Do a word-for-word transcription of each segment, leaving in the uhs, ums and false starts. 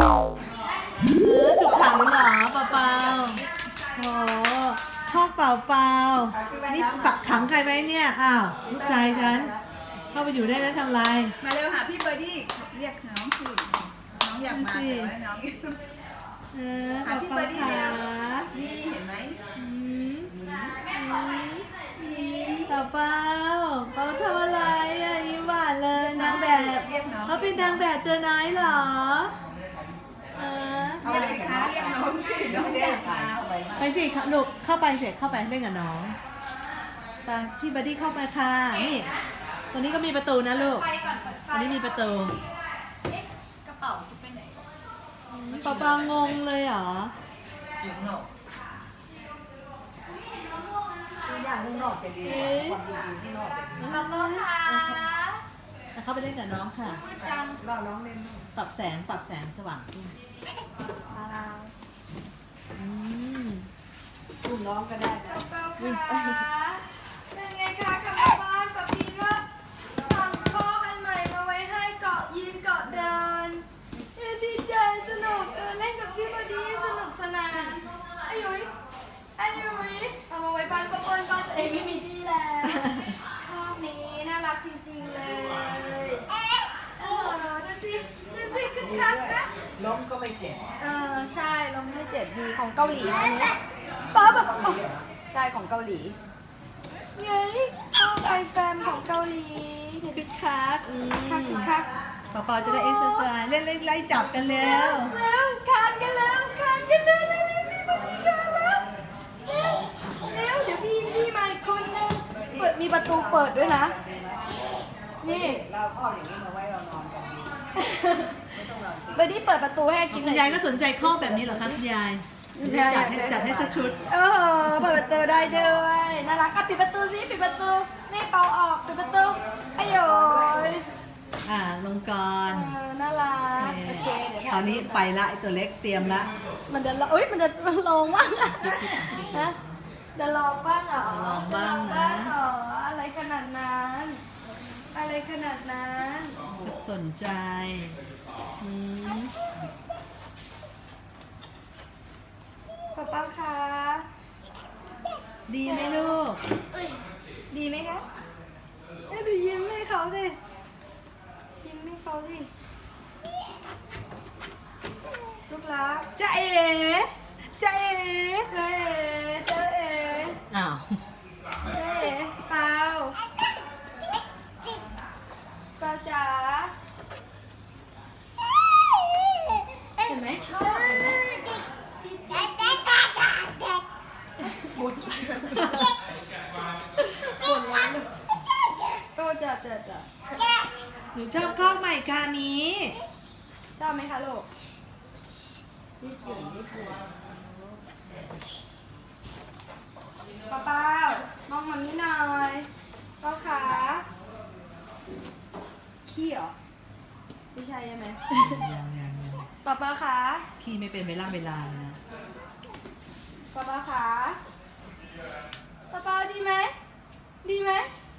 เออถูกขังเหรอเปล่าเปล่าโอ้พ่อเปล่าเปล่านี่ฝักขังใครไว้เนี่ยอ้าวลูกชายฉันเข้าไปอยู่ได้แล้วทำไรมาเร็วหาพี่เบอร์ดี้เรียกน้องสิน้องอยากมาแต่ว่าน้องเออหาเปล่าพี่เปเบอล่าร์ดี้ขาเร็วนี่เห็นไหมอืมเปล่าเปล่าเปล่าทำอะไรอ่ะยิ้มหวานเลยนางแบบเรียกน้องเขาเป็นนางแบบตัวน้อยเหรอเออเอาอะไรคะเรียกน้องสิน้องเรียกมาไปสิหนุกเข้าไปเสร็จเข้าไปเล่นกับน้องไปที่บัดดี้เข้าไปค่ะนี่ตัวนี้ก็มีประตูนะลูกไปก่อนเปิดไฟตัวนี้มีประตูเอ๊ะกระเป๋าไปไหนเปล่าเปล่างงเลยเหรออยู่ข้างนอกตัวอย่างข้างนอกจะดีกว่าความจริงๆที่นอกจะดีกระเป๋าค่ะแล้วเข้าไปเล่นกับน้องค่ะมืดจังรอน้องเล่นด้วยปรับแสงปรับแสงสว่างขึ้นอืมอุ้มน้องก็ได้กนะระเป๋าค่ะเป็นไงคะกลับมาบ้านป๊าพีก็สั่งข้ออันใหม่มาไว้ให้เกาะยืนเกาะเดินเออดีใจสนุกเออเล่นกับพี่พอดีสนุกสนานอายุยอายุยเอามาไว้บ้านป้าเปิ้ลบ้านตัวเองไม่มีที่แล้วข้อนี้น่ารักจริงๆเลยเออดูสิดูสิคึกคักนะล้มก็ไม่เจ็บเออใช่ลมไม่เจ็บดีของเกาหลีอันนี้ป๊าแบบใช่ของเกาหลีเย้ยข้าวไอแฟมของเกาหลีคึกคักอืมคักคักเปล่าเปล่าจะได้เอ็กซ์ไซส์เล่นเล่นไล่จับกันแล้เร็ววเร็วคานกันแล้วคานกันแล้วเร็วเร็วพี่มาดีคานแล้วเร็วเร็วเดี๋ยวพี่พี่มาอีกคนนึงเปิดมีประตูเปิดด้วยนะนี่เราเอาอย่างนี้มาไว้เรานอนกันดีไม่ต้องนอนเบอร์ดี้เปิดประตูให้กินหคุน่ณอยยายก็สนใจข้อแบบนี้เหรอคะคุณยายจัดให้จัดให้สักชุดเออเปิดประตูได้ด้วยน่ารักอ่ะปิดประตูสิปิดประตูไม่เป่าออกปิดประตูอ้โยยอ่าลงก่อนเออน่ารักโอเคเดี๋ยวคราวนี้ไปละไอตัวเล็กเตรียมละมันจะเอ้ยมันจะมันลงบ้างอะนะจะลองบ้างเหรอลองบ้างจนะลเหรออะไรขนาดนั้น อะไรขนาดนั้นสักสนใจอืมป๊าป้าคะดีไหมลูกดีไหมคะเอ้ยดูยิ้มให้เขาสิยิ้มให้เขาสิลูกรักจ้าเอ๋จ้าเอ๋เจ๊เจ๊เอ๋อ้าวเจ๊เอ๋เปล่าเปล่าจ๋าเห็นไหมชอบเห็นไหมโอ้จ้ะจ้ะจ้ะหนูชอบข้อใหม่ค่ะนี้ชอบไหมคะลูกยืดหยุ่นยืดหยุ่นป้าเป้ามองมันนี้หน่อยป้าขาขี้เหรอไม่ใช่ใช่ไหม ป้าป้าขาขี้ไม่เป็นเวลาเวลาเลยนะป้าป้าขาป้าป้าดีไหมดีไหม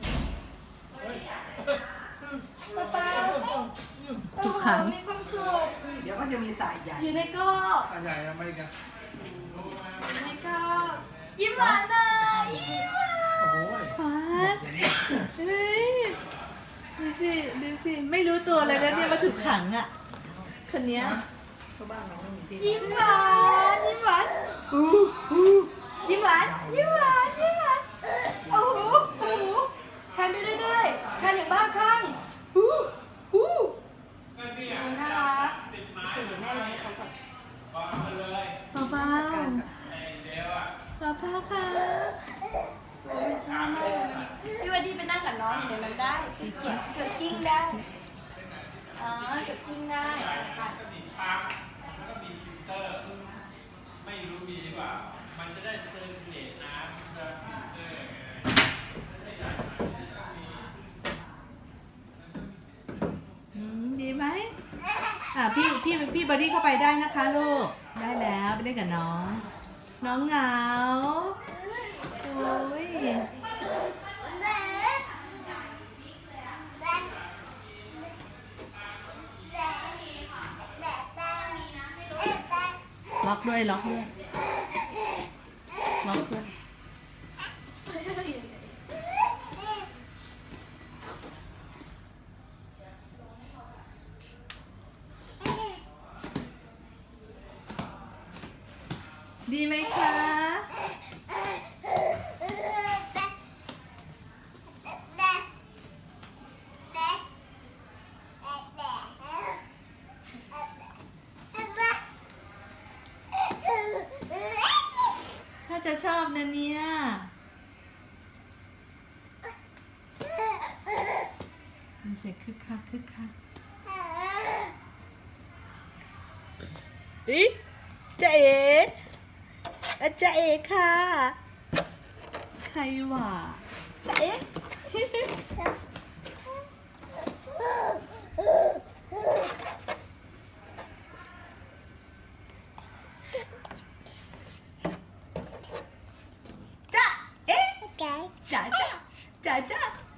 ป้าป้าทุกครั้งโอ้โหมีความสุขเดี๋ยวก็จะมีสายใหญ่อยู่ในกรอบใหญ่ทำไมกันอยู่ในกรอบยิ้มหวานหน่อยยิ้มหวานโอ้ยฟ้าเฮ้ยดูสิดูสิไม่รู้ตัวเลยนะเนี่ยว่าถูกขังอ่ะคนเนี้ยเขาบ้านน้องมีที่ยิ้มหวานยิ้มหวานอู้อู้ยิ้มหวานยิ้มหวานยิ้มหวานโอ้โหโอ้โหคันไปเรื่อยๆคันอย่างบ้าคลั่งอู้อู้โอ้ยน่ารักสุดแม่เลยให้เขาก่อนเปล่าเปล่าเปล่าเปล่าค่ะโอ้ยชอบมากเลยพี่วันดีไปนั่งกับน้องเดี๋ยวมันได้เกิดเกิดกิ้งได้อ๋อเกิดกิ้งได้ไปไม่รู้มีหรือเปล่า มันจะได้เซอร์เลตน้ำจะฟิลเตอร์อืมดีไหมอ่ะพี่พี่พี่บอดี้เข้าไปได้นะคะลูกได้แล้วไปเล่นกับน้อง น้องเหงาโอ้ยล็อกด้วยล็อกด้วยล็อกด้วยดีไหมคะ ถ้าจะชอบนะเนี่ยมีเสียงคึกคักคึกคักอีจ๊ะเอ๋อาจ๊ะเอ๋ค่ะ ใครวะจ๊ะเอ๋จ๊ะเอ๋จ๋าจ๋าจ๋าจ๋า